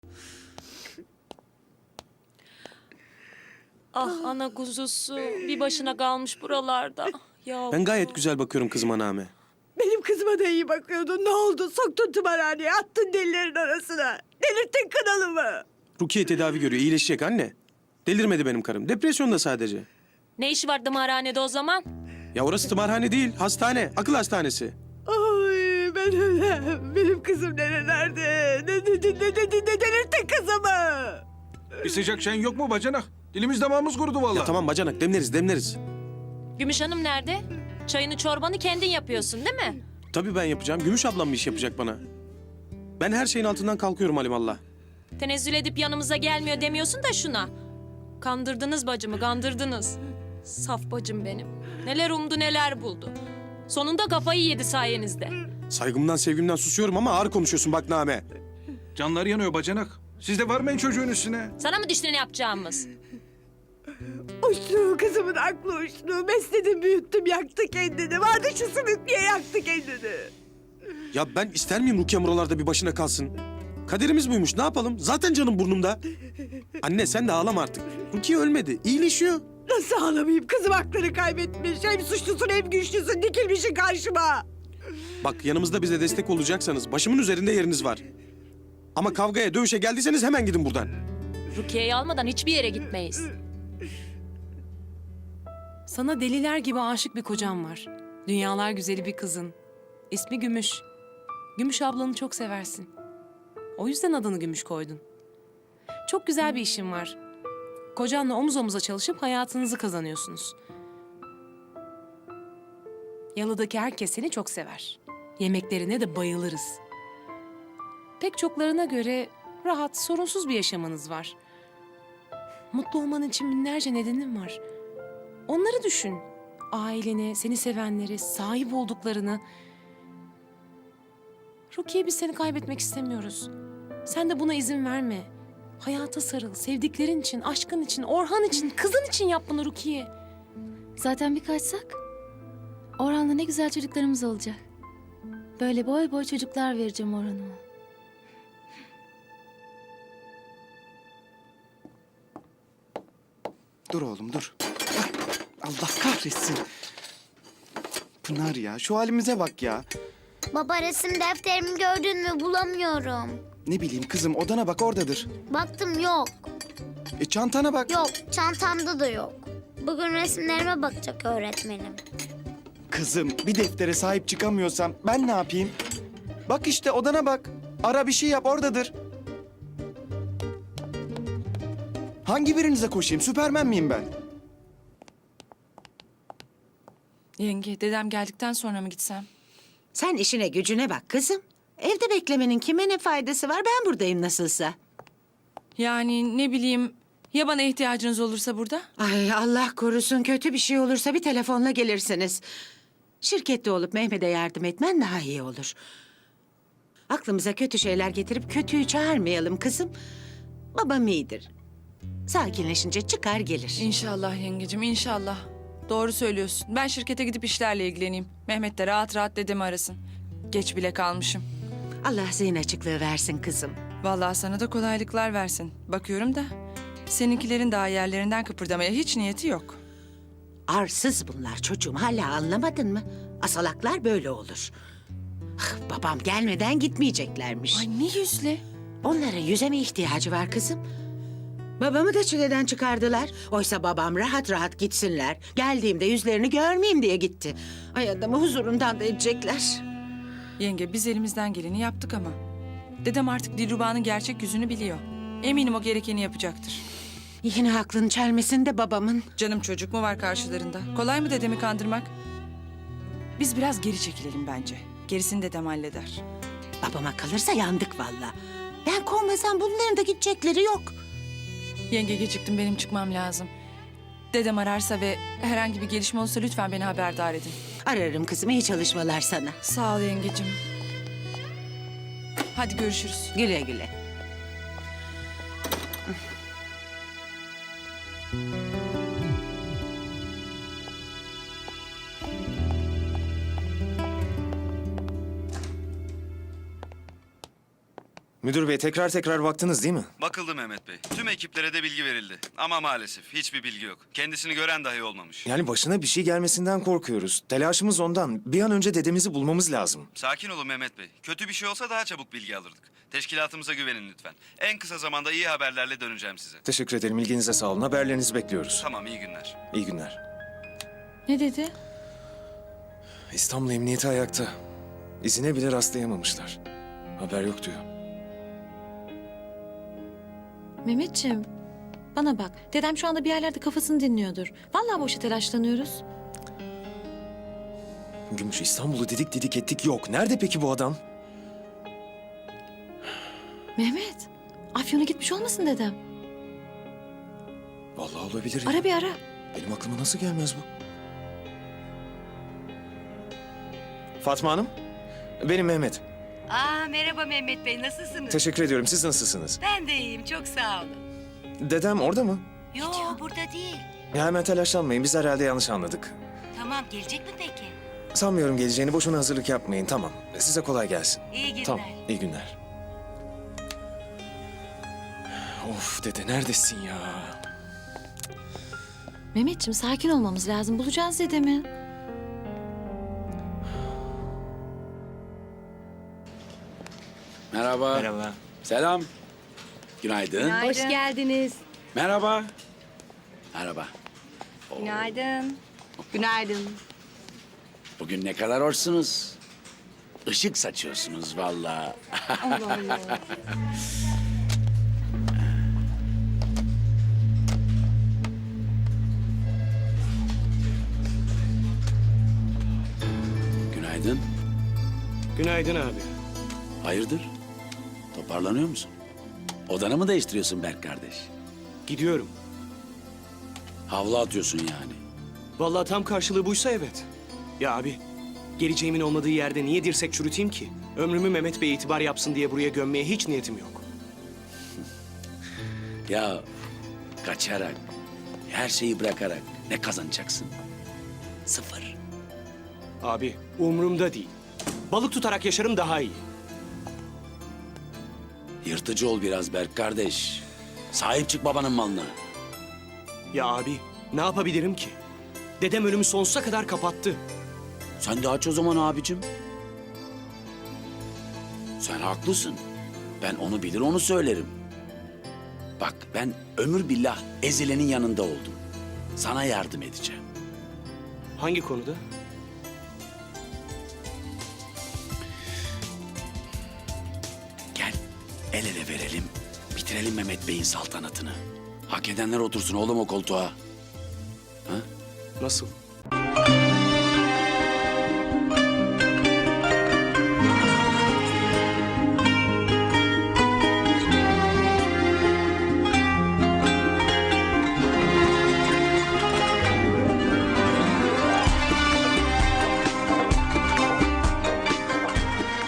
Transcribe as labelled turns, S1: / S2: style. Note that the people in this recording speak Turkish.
S1: Ah ana kuzusu bir başına kalmış buralarda. Ya
S2: Ben gayet güzel bakıyorum kızıma Name.
S3: Benim kızıma da iyi bakıyordun. Ne oldu? Soktun tımarhaneye, attın delilerin arasına. Delirttin kanalımı.
S2: Rukiye tedavi görüyor, iyileşecek anne. Delirmedi benim karım. Depresyonda sadece.
S1: ne işi var tımarhanede o zaman?
S2: Ya orası tımarhane değil, hastane. Akıl hastanesi.
S3: Ay ben ölem. Benim kızım nerelerde? Ne delirttin kızımı?
S4: Bir sıcak çayın yok mu bacanak? Dilimiz damağımız kurudu vallahi.
S2: Ya tamam bacanak, demleriz, demleriz.
S1: Gümüş Hanım nerede? Çayını çorbanı kendin yapıyorsun değil mi?
S2: Tabii ben yapacağım. Gümüş ablam bir iş yapacak bana. Ben her şeyin altından kalkıyorum alimallah.
S1: Tenezzül edip yanımıza gelmiyor demiyorsun da şuna. Kandırdınız bacımı, kandırdınız. Saf bacım benim. Neler umdu neler buldu. Sonunda kafayı yedi sayenizde.
S2: Saygımdan sevgimden susuyorum ama ağır konuşuyorsun bak Name.
S4: Canları yanıyor bacanak. Siz de varmayın çocuğun üstüne.
S1: Sana mı düştü ne yapacağımız?
S3: Uçtu kızımın aklı uçtu. Besledim büyüttüm yaktı kendini. Vardı şu sümüklüye yaktı kendini.
S2: Ya ben ister miyim Rukiye buralarda bir başına kalsın? Kaderimiz buymuş, ne yapalım? Zaten canım burnumda. Anne sen de ağlama artık. Rukiye ölmedi, iyileşiyor.
S3: Nasıl ağlamayayım? Kızım aklını kaybetmiş. Hem suçlusun hem güçlüsün. Dikilmişsin karşıma.
S2: Bak yanımızda bize destek olacaksanız başımın üzerinde yeriniz var. Ama kavgaya, dövüşe geldiyseniz hemen gidin buradan.
S1: Rukiye'yi almadan hiçbir yere gitmeyiz.
S5: Sana deliler gibi aşık bir kocam var. Dünyalar güzeli bir kızın. İsmi Gümüş. Gümüş ablanı çok seversin. O yüzden adını Gümüş koydun. Çok güzel bir işin var. Kocanla omuz omuza çalışıp hayatınızı kazanıyorsunuz. Yalıdaki herkes seni çok sever. Yemeklerine de bayılırız. Pek çoklarına göre rahat, sorunsuz bir yaşamınız var. Mutlu olman için binlerce nedenin var. Onları düşün. Aileni, seni sevenleri, sahip olduklarını. Rukiye, biz seni kaybetmek istemiyoruz. Sen de buna izin verme. Hayata sarıl, sevdiklerin için, aşkın için, Orhan için, kızın için yap bunu Rukiye.
S6: Zaten bir kaçsak Orhan'la ne güzel çocuklarımız olacak. Böyle boy boy çocuklar vereceğim Orhan'ıma.
S7: Dur oğlum dur. Ah, Allah kahretsin. Pınar ya şu halimize bak ya.
S8: Baba resim defterimi gördün mü bulamıyorum.
S7: Ne bileyim kızım odana bak oradadır.
S8: Baktım yok.
S7: Çantana bak.
S8: Yok çantamda da yok. Bugün resimlerime bakacak öğretmenim.
S7: Kızım bir deftere sahip çıkamıyorsam ben ne yapayım? Bak işte odana bak. Ara bir şey yap oradadır. Hangi birinize koşayım? Süpermen miyim ben?
S5: Yenge, dedem geldikten sonra mı gitsem?
S9: Sen işine gücüne bak kızım. Evde beklemenin kime ne faydası var? Ben buradayım nasılsa.
S5: Yani ne bileyim, ya bana ihtiyacınız olursa burada?
S9: Ay Allah korusun kötü bir şey olursa bir telefonla gelirsiniz. Şirkette olup Mehmet'e yardım etmen daha iyi olur. Aklımıza kötü şeyler getirip kötüyü çağırmayalım kızım. Babam iyidir. Sakinleşince çıkar gelir.
S5: İnşallah yengecim, inşallah. Doğru söylüyorsun. Ben şirkete gidip işlerle ilgileneyim. Mehmet de rahat rahat dedemi arasın. Geç bile kalmışım.
S9: Allah zihin açıklığı versin kızım.
S5: Vallahi sana da kolaylıklar versin. Bakıyorum da seninkilerin daha yerlerinden kıpırdamaya hiç niyeti yok.
S9: Arsız bunlar çocuğum. Hala anlamadın mı? Asalaklar böyle olur. Ah, babam gelmeden gitmeyeceklermiş.
S5: Ay ne yüzle?
S9: Onların yüze mi ihtiyacı var kızım? Babamı da çileden çıkardılar. Oysa babam rahat rahat gitsinler. Geldiğimde yüzlerini görmeyeyim diye gitti. Ay adamı huzurundan da edecekler.
S5: Yenge biz elimizden geleni yaptık ama. Dedem artık Dilruba'nın gerçek yüzünü biliyor. Eminim o gerekeni yapacaktır.
S9: Yine aklını çelmesin de babamın.
S5: Canım çocuk mu var karşılarında? Kolay mı dedemi kandırmak? Biz biraz geri çekilelim bence. Gerisini dedem halleder.
S9: Babama kalırsa yandık valla. Ben kovmasam bunların da gidecekleri yok.
S5: Yenge geciktim, benim çıkmam lazım. Dedem ararsa ve herhangi bir gelişme olursa lütfen beni haberdar edin.
S9: Ararım kızım, iyi çalışmalar sana.
S5: Sağ ol yengecim. Hadi görüşürüz.
S9: Güle güle.
S10: Müdür bey tekrar baktınız değil mi?
S11: Bakıldı Mehmet Bey. Tüm ekiplere de bilgi verildi. Ama maalesef hiçbir bilgi yok. Kendisini gören dahi olmamış.
S10: Yani başına bir şey gelmesinden korkuyoruz. Telaşımız ondan. Bir an önce dedemizi bulmamız lazım.
S11: Sakin olun Mehmet Bey. Kötü bir şey olsa daha çabuk bilgi alırdık. Teşkilatımıza güvenin lütfen. En kısa zamanda iyi haberlerle döneceğim size.
S10: Teşekkür ederim. İlginize sağ olun. Haberlerinizi bekliyoruz.
S11: Tamam, iyi günler.
S10: İyi günler.
S6: Ne dedi?
S10: İstanbul Emniyeti ayakta. İzine bile rastlayamamışlar. Haber yok diyor.
S6: Mehmetciğim, bana bak. Dedem şu anda bir yerlerde kafasını dinliyordur. Vallahi boşa telaşlanıyoruz.
S10: Gümüş, İstanbul'u didik ettik yok. Nerede peki bu adam?
S6: Mehmet, Afyon'a gitmiş olmasın dedem?
S10: Vallahi olabilir ya.
S6: Ara bir ara.
S10: Benim aklıma nasıl gelmez bu? Fatma Hanım, benim Mehmet.
S9: Merhaba Mehmet Bey, nasılsınız?
S10: Teşekkür ediyorum. Siz nasılsınız?
S9: Ben de iyiyim, çok sağ olun.
S10: Dedem orada mı?
S9: Yok, burada değil.
S10: Ya hemen telaşlanmayın. Biz herhalde yanlış anladık.
S9: Tamam, gelecek mi peki?
S10: Sanmıyorum geleceğini. Boşuna hazırlık yapmayın. Tamam. Size kolay gelsin.
S9: İyi günler.
S10: Tamam. İyi günler. Of dede neredesin ya?
S6: Mehmetciğim sakin olmamız lazım. Bulacağız dedemi.
S12: Merhaba.
S7: Merhaba.
S12: Selam. Günaydın.
S3: Hoş geldiniz.
S12: Merhaba. Merhaba.
S3: Günaydın. Günaydın.
S12: Bugün ne kadar hoşsunuz. Işık saçıyorsunuz vallahi.
S3: Allah Allah.
S12: Günaydın.
S7: Günaydın abi.
S12: Hayırdır? Toparlanıyor musun? Odanı mı değiştiriyorsun Berk kardeş?
S7: Gidiyorum.
S12: Havlu atıyorsun yani.
S7: Vallahi tam karşılığı buysa evet. Ya abi, geleceğimin olmadığı yerde niye dirsek çürüteyim ki? Ömrümü Mehmet Bey itibar yapsın diye buraya gömmeye hiç niyetim yok.
S12: Ya kaçarak, her şeyi bırakarak ne kazanacaksın? Sıfır.
S7: Abi, umurumda değil. Balık tutarak yaşarım daha iyi.
S12: Yırtıcı ol biraz Berk kardeş. Sahip çık babanın malına.
S7: Ya abi, ne yapabilirim ki? Dedem ölümü sonsuza kadar kapattı.
S12: Sen de aç o zaman abicim. Sen haklısın. Ben onu bilir onu söylerim. Bak ben ömür billah ezilenin yanında oldum. Sana yardım edeceğim.
S7: Hangi konuda?
S12: Gel el ele verelim. Bitirelim Mehmet Bey'in saltanatını. Hak edenler otursun oğlum o koltuğa.
S7: Nasıl?